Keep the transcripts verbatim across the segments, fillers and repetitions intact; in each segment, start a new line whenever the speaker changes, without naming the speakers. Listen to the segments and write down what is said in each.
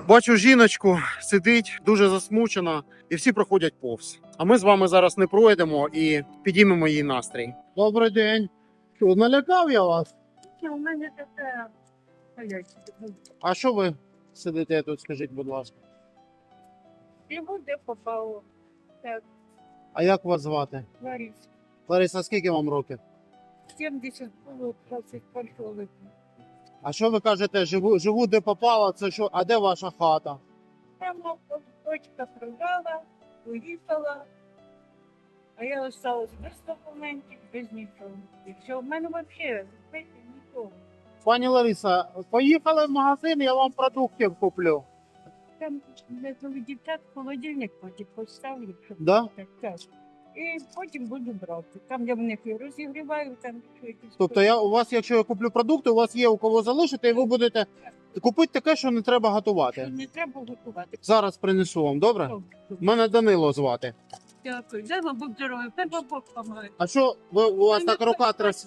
Бачу жіночку, сидить, дуже засмучена, і всі проходять повз. А ми з вами зараз не пройдемо і підіймемо її настрій. Добрий день. Що, налякав я вас?
У мене таке.
А що ви сидите тут, скажіть, будь ласка?
Йому де попало. Так,
А як вас звати?
Ларис.
Лариса, скільки вам років?
сімдесят було двадцять першого липня.
А що ви кажете, живу, живу де попало, це що, а де ваша хата?
Прямо дочка продала, поїхала. А я осталась без документів, без нічого. І все, в мене взагалі знаєте, нічого.
Пані Лариса, поїхали в магазин, я вам продуктів куплю.
Там для двох дівчат холодильник потім поставлю, щоб
Да?
так, так. І потім буду брати. Там я в них і розігріваю, там щось.
Тобто я, у вас, якщо я куплю продукти, у вас є у кого залишити, і ви будете купити таке, що не треба готувати.
Не треба готувати.
Зараз принесу вам, добре? Мене Данило звати.
Дякую. Дай вам Бог здоров'я, дай вам Бог помагає.
А що ви, у вас так рука тряс?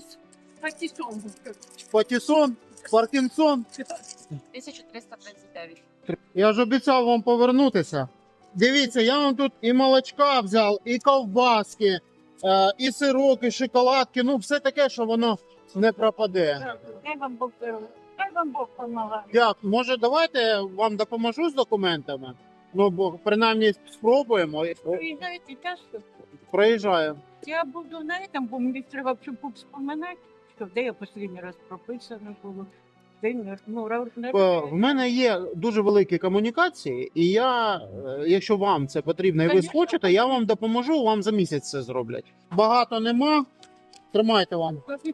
Патісон.
Патісон? Паркінсон?
тисяча триста тридцять дев'ять.
Я ж обіцяв вам повернутися. Дивіться, я вам тут і молочка взяв, і ковбаски, е, і сирок, і шоколадки. Ну, все таке, що воно не пропаде.
Дай вам Бог здоров'я, дай вам Бог помагає.
Дякую. Може, давайте вам допоможу з документами? Ну, бо принаймні спробуємо.
Приїжджаєте часто?
Проїжджаю.
Я буду на этом, бо мені треба щоб вспоминати, що де я останній раз прописана було. Де не- ну, ра- не-
Е, В мене є дуже великі комунікації, і я, е, якщо вам це потрібно, і ви
Конечно.
схочете, я вам допоможу, вам за місяць це зроблять. Багато нема. Тримайте вам.
Господи,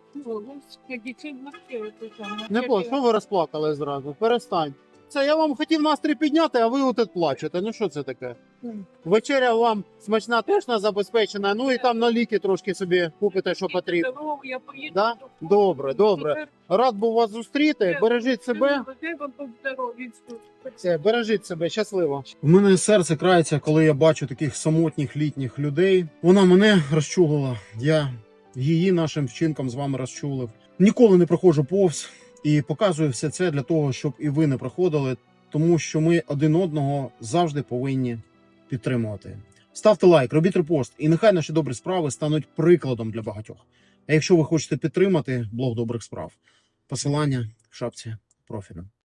це вообще, це там,
Не
це-
по, що ви розплакали зразу? Перестань. Це я вам хотів настрій підняти, а ви отут плачете. Ну що це таке?
М.
Вечеря вам смачна, точно забезпечена, ну і там на ліки трошки собі купите, що потрібно.
Здорово, я поїду
Да?
до-
Добре, добре.
Тепер
Рад був вас зустріти. Бережіть себе.
дай вам Бог здоров'я.
Все, бережіть себе, щасливо. У мене серце крається, коли я бачу таких самотніх літніх людей. Вона мене розчулила. Я її нашим вчинком з вами розчулив. Ніколи не проходжу повз і показую все це для того, щоб і ви не проходили, тому що ми один одного завжди повинні підтримувати. Ставте лайк, робіть репост, і нехай наші добрі справи стануть прикладом для багатьох. А якщо ви хочете підтримати блог добрих справ, посилання в шапці профілю.